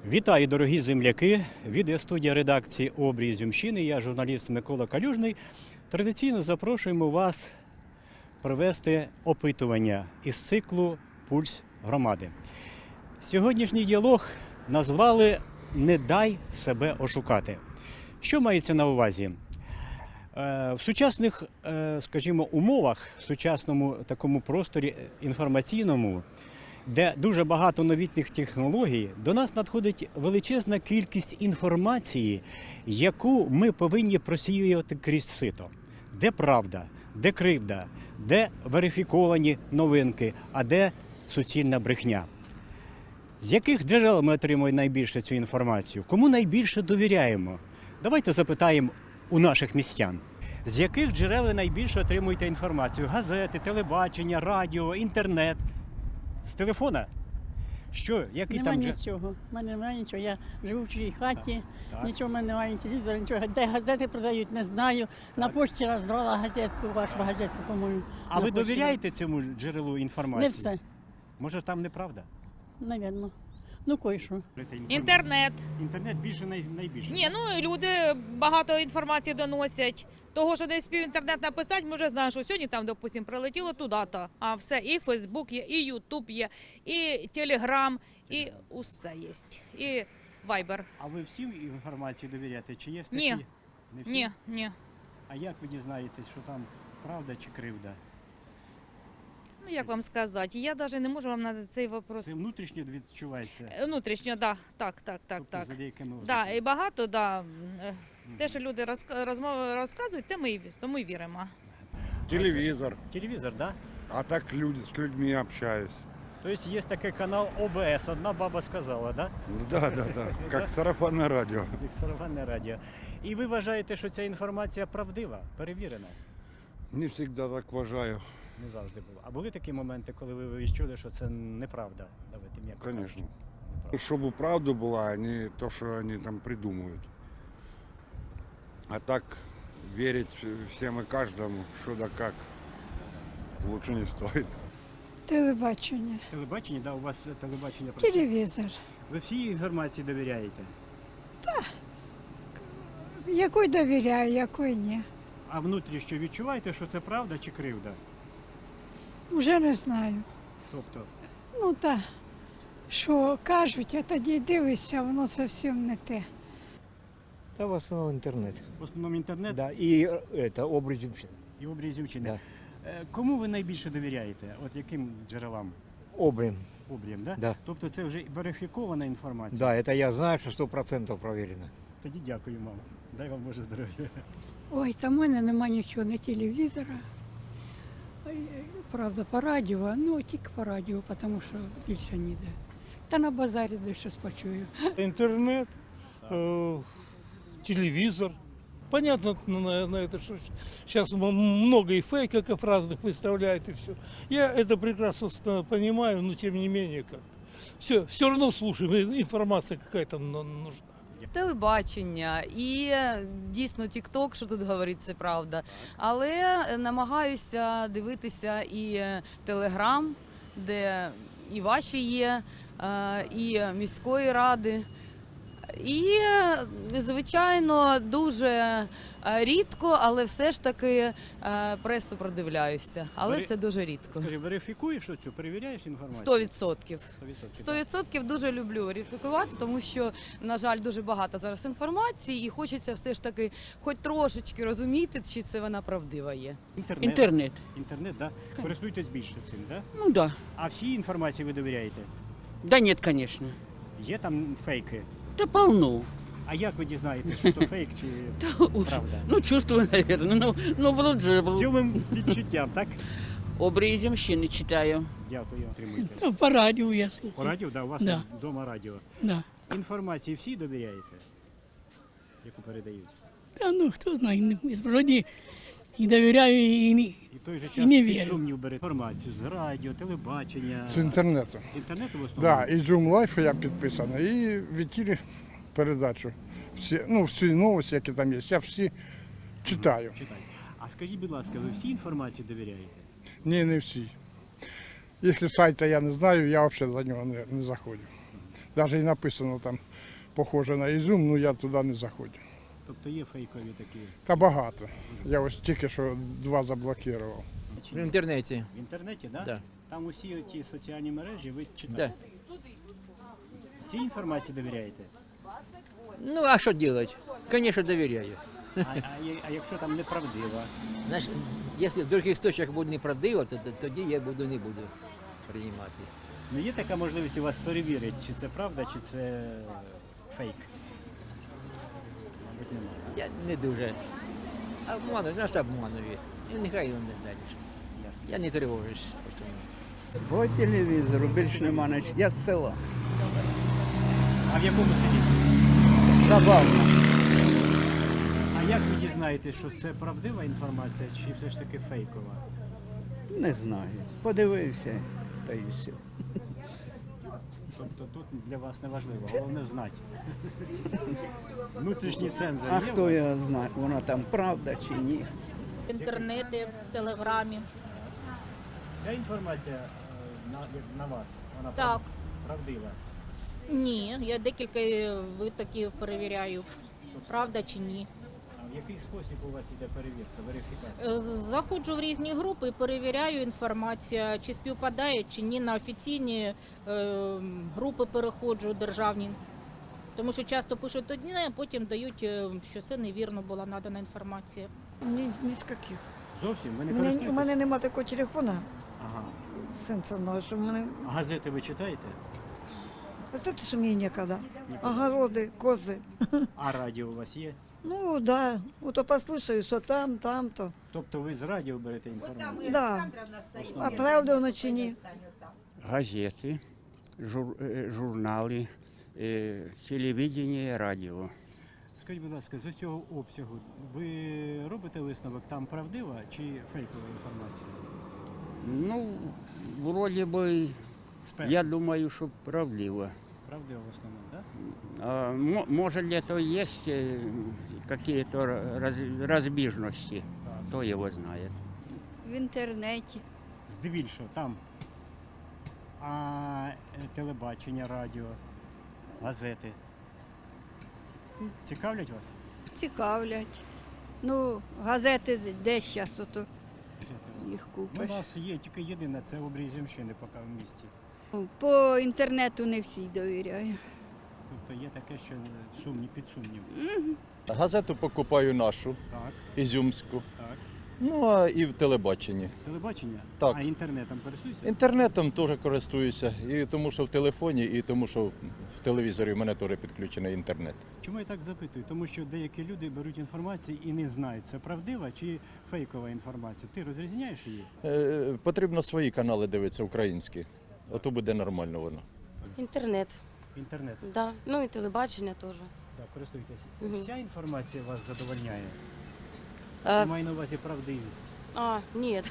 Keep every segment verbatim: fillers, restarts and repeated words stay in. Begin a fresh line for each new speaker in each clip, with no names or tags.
Вітаю, дорогі земляки! Відеостудія редакції «Обрій Ізюмщини». Я, журналіст Микола Калюжний. Традиційно запрошуємо вас провести опитування із циклу «Пульс громади». Сьогоднішній діалог назвали «Не дай себе ошукати». Що мається на увазі? В сучасних, скажімо, умовах, в сучасному такому просторі інформаційному, де дуже багато новітніх технологій, до нас надходить величезна кількість інформації, яку ми повинні просіювати крізь сито. Де правда, де кривда, де верифіковані новинки, а де суцільна брехня. З яких джерел ми отримуємо найбільше цю інформацію? Кому найбільше довіряємо? Давайте запитаємо у наших містян. З яких джерел ви найбільше отримуєте інформацію? Газети, телебачення, радіо, інтернет? З телефона? Що? Який
Нема
там
нічого. У мене немає нічого. Я живу в чужій хаті,
Так, так.
нічого в мене немає, ні телевізора, нічого. Де газети продають, не знаю. На пошті раз брала газетку, вашу газетку, по-моєму.
А
на
ви
пошті.
довіряєте цьому джерелу інформації?
Не все,
Може там неправда?
навірно. Ну, кое-що.
Інтернет.
Інтернет більше най... найбільше.
Ні, ну люди багато інформації доносять. Того, що десь спів інтернет написати, ми вже знаємо, що сьогодні там, допустимо, прилетіло туди-то. А все, і Фейсбук є, і Ютуб є, і Телеграм, і усе є. І Вайбер.
А ви всім інформації довіряєте? Чи є такі?
Ні.
Не всі?
Ні, ні.
А як ви дізнаєтесь, що там правда чи кривда?
Ну, як вам сказати, я навіть не можу вам на цей вопрос.
Це внутрішньо відчувається?
Внутрішньо, да, так, так, так,
Тобто
так.
за деякими
Да, і багато, да.
Мгм.
Те, що люди розк- розмови розказують, те ми, й- тому й віримо.
Телевизор.
Телевізор, так? Да?
А так люди, с людьми общаюсь.
Тобто є такий канал О Б С, одна баба сказала, так?
Да, да, да. Как сарафанное радио.
Як сарафанне радіо. І ви вважаєте, що ця інформація правдива, перевірена?
Не всегда так вважаю.
Не завжди було. А були такі моменти, коли ви відчули, що це неправда? Давайте м'яко
Конечно.
кажучи. Неправда.
Чтобы правда была, а не то, что они там придумывают. А так верить всем и каждому, что да как, лучше не стоит.
Телебачення,
Телебачення, да, у вас телебачення працює?
телевізор.
Ви всій інформації довіряєте?
Якої довіряю, якої ні.
А внутрішньо відчуваєте, що це правда чи кривда?
Вже не знаю.
Тобто,
Ну так, що кажуть, а тоді дивишся, воно зовсім не те.
Да, в основном интернет.
в основному інтернет
Да, и э, это образ вообще.
і обрій Ізюмщини.
Да.
Е, Кому ви найбільше довіряєте? От яким джерелам?
Обрим.
Обрієм, да?
Да.
Тобто це вже верифікована інформація?
Да, это я знаю, что сто процентов проверено.
Тоді дякую, мам. Дай вам Боже здоров'я.
Ой, там в мене нема нічого, ні телевізора. Ой, правда, по радіо, ну тільки по радіо, тому що більше ніде. Та на базарі десь щось почую.
Интернет, э, телевизор. Понятно, на, на это, что сейчас много и фейков разных выставляют и все. Я это прекрасно ста- понимаю, но тем не менее как. Все, все равно слушаем, информация какая-то ну- нужна.
Телебачення і дійсно тік-ток, що тут говорить, це правда. Але намагаюся дивитися і Телеграм, де і ваші є, е, і міської ради. І, звичайно, дуже е, рідко, але все ж таки е, пресу продивляюся. Але
Вері-
це дуже рідко.
Скажи, верифікуєш оцю, перевіряєш інформацію?
Сто відсотків.
Сто відсотків.
Сто відсотків дуже люблю верифікувати, тому що, на жаль, дуже багато зараз інформації і хочеться все ж таки хоч трошечки розуміти, чи це вона правдива є.
Інтернет.
Інтернет.
Інтернет, да? Користуєтесь більше цим, да?
Ну да.
А всій інформації ви довіряєте?
Да нет, конечно.
Є там фейки?
Да полно.
А як ви дізнаєтесь, що то фейк чи правда?
Ну, чувствую, наверное. Ну, ну блуд же,
З цьому відчуттям, так?
Обрій Ізюмщини читаю.
Дякую, отримуйте.
Та по радіо я
По
слухаю.
радіо, да, у вас
Да.
вдома радіо.
Да.
Інформації всі довіряєте, яку передають?
Та ну, хто знає, не- вроді і довіряю, і не.
І в той же
І
час
не
під
вірю.
сумнів бере інформацію з радіо, телебачення.
З інтернету.
З інтернету в основному?
Да, і Zoom Life я підписаний, і в ефірі передачу. Всі, ну, всі новості, які там є, я всі читаю.
Читай. А скажіть, будь ласка, ви всі інформації довіряєте?
Ні, не всі. Якщо сайта я не знаю, я взагалі за нього не, не заходжу. Навіть і написано там, похоже на Ізюм, ну я туди не заходжу.
Тобто є фейкові такі.
Та багато. Я ось тільки що два заблокував.
Чи
В
ні?
інтернеті.
В інтернеті, да?
Да.
Там усі ті соціальні мережі ви
Да.
читаєте? Цій інформації довіряєте?
Ну, а що робити? Звісно, довіряю.
А, а, є- а якщо там неправдива?
Значить, якщо в других істочниках буде неправдиво, то то- тоді я буду не буду приймати.
Ну є така можливість у вас перевірити, чи це правда, чи це фейк? Мабуть, немає.
Я не дуже. Обманують, нас обманують. І нехай вони далі.
Ясно.
Я не тривожусь по цьому.
По телевізору більш нема ніч. Я з села.
А в якому сидіти?
Забавно.
А як ви дізнаєтесь, що це правдива інформація, чи все ж таки фейкова?
Не знаю. Подивився, та й все.
Тобто тут для вас не важливо, головне знати. Внутрішній цензор
А
є
хто
у вас?
його знає, воно там правда чи ні.
В інтернеті, в телеграмі.
Ця інформація е, на, як на вас, вона
Так.
прав- правдива.
Ні, я декілька витоків перевіряю, правда чи ні.
А в який спосіб у вас іде перевірка, верифікація?
Е, Заходжу в різні групи і перевіряю інформацію, чи співпадає, чи ні, на офіційні е, групи переходжу, державні. Тому що часто пишуть одне, а потім дають, е, що це невірно була надана інформація.
Ні, ні з яких.
Зовсім? Ви не
У мене,
користуєтесь?
у мене немає такого телефона
Ага.
сенсорного, що в мене.
А газети ви читаєте?
Ви знаєте, що мені ніколи?
Ніколи.
Огороди, кози.
А радіо у вас є?
Ну, так. Да. Ото послухаю, що там, там, то.
Тобто ви з радіо берете інформацію?
Да. А правда воно чи ні?
Газети, жур, е, журнали, е, телевидение, радіо.
Скажіть, будь ласка, з цього обсягу ви робите висновок, там правдива чи фейкова інформація?
Ну, вроде бы,
Спершу.
я думаю, що правдиво.
Правдива в основному, так? Да?
А, мо- может ли это есть э, какие-то раз, разбежности, кто его знает.
В інтернеті.
Здебільшого там. А е, телебачення, радіо, газети. Цікавлять вас?
Цікавлять. Ну, газети де зараз ото їх
Ну,
купиш.
у нас є тільки єдина, це обрій Земщини поки в місті.
По інтернету не всі довіряю.
Тобто є таке, що сумні під сумнів.
Газету покупаю нашу,
Так,
ізюмську.
так.
Ну а і в телебаченні.
Телебачення?
Так.
А інтернетом користуєшся?
Інтернетом теж користуюся, і тому що в телефоні, і тому що в телевізорі в мене теж підключений інтернет.
Чому я так запитую? Тому що деякі люди беруть інформацію і не знають, це правдива чи фейкова інформація. Ти розрізняєш її?
Е, потрібно свої канали дивитися, українські. Ото буде нормально воно.
Інтернет,
Інтернет.
да. Ну і телебачення теж.
Так, користуйтесь.
Мгм.
Вся інформація вас задовольняє?
А,
Я маю на увазі правдивість.
а нет.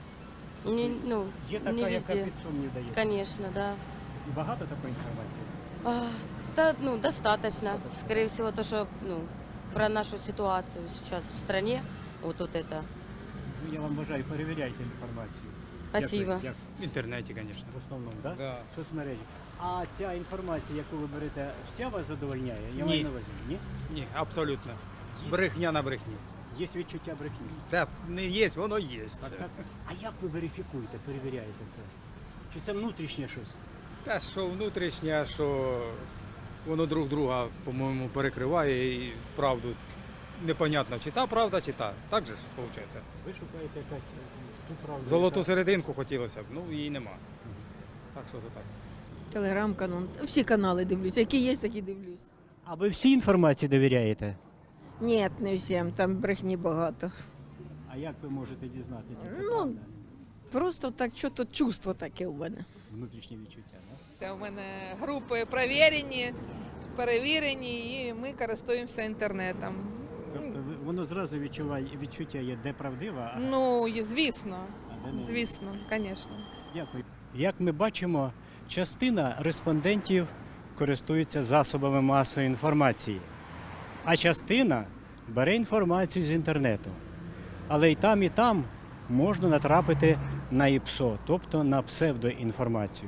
Не, ну,
Є така,
не
яка
везде.
під сумнів дає.
Конечно, да.
І багато такої інформації?
А, да, ну, достаточно. Скорее всего, то, что, ну, про нашу ситуацию сейчас в стране, вот, вот это.
Ну, я вам бажаю, перевіряйте інформацію.
Спасибо.
Як ви- як?
В інтернеті, звісно.
В основному, так? Да?
Да.
Соцмережі. А ця інформація, яку ви берете, вся вас задовольняє? Я
Ні.
маю на увазі. Ні?
Ні, абсолютно. Брехня на брехні.
Є відчуття брехні.
Так, не є, воно є.
Так, так. А як ви верифікуєте, перевіряєте це? Чи це внутрішнє щось?
Та що внутрішнє, що воно друг друга, по-моєму, перекриває і правду. Непонятно, чи та правда, чи та. Так же ж виходить.
Ви шукаєте якась ту правду.
Золоту
яка-
серединку хотілося б, ну її нема. Так що то так.
Телеграм-канал. Всі канали дивлюся. Які є, такі дивлюсь.
А ви всій інформації довіряєте?
Ні, не всім, там брехні багато.
А як ви можете дізнатися? Це
Ну,
правда?
Просто так, що то чувство таке у мене.
Внутрішнє відчуття, так?
Це у мене групи перевірені, перевірені, і ми користуємося інтернетом.
Тобто ви- воно зразу відчуває відчуття є, де правдива, а
Ну, і звісно,
а де не.
звісно, звісно.
Дякую. Як ми бачимо, частина респондентів користується засобами масової інформації, а частина бере інформацію з інтернету. Але і там, і там можна натрапити на ІПСО, тобто на псевдоінформацію.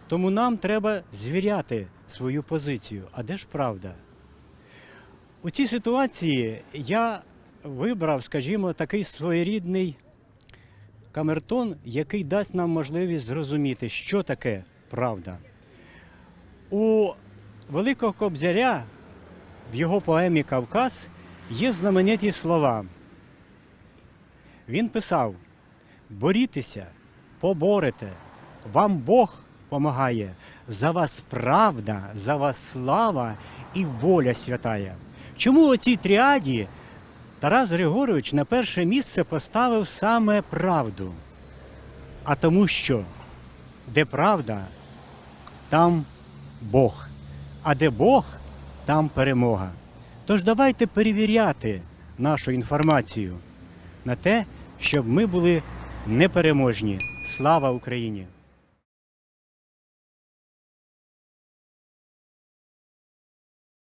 Тому нам треба звіряти свою позицію. А де ж правда? У цій ситуації я вибрав, скажімо, такий своєрідний камертон, який дасть нам можливість зрозуміти, що таке правда. У Великого Кобзаря в його поемі «Кавказ» є знамениті слова. Він писав: «Борітеся, поборете, вам Бог помагає, за вас правда, за вас слава і воля святая». Чому у цій тріаді Тарас Григорович на перше місце поставив саме правду? А тому що, де правда, там Бог, а де Бог, там перемога. Тож давайте перевіряти нашу інформацію на те, щоб ми були непереможні. Слава Україні!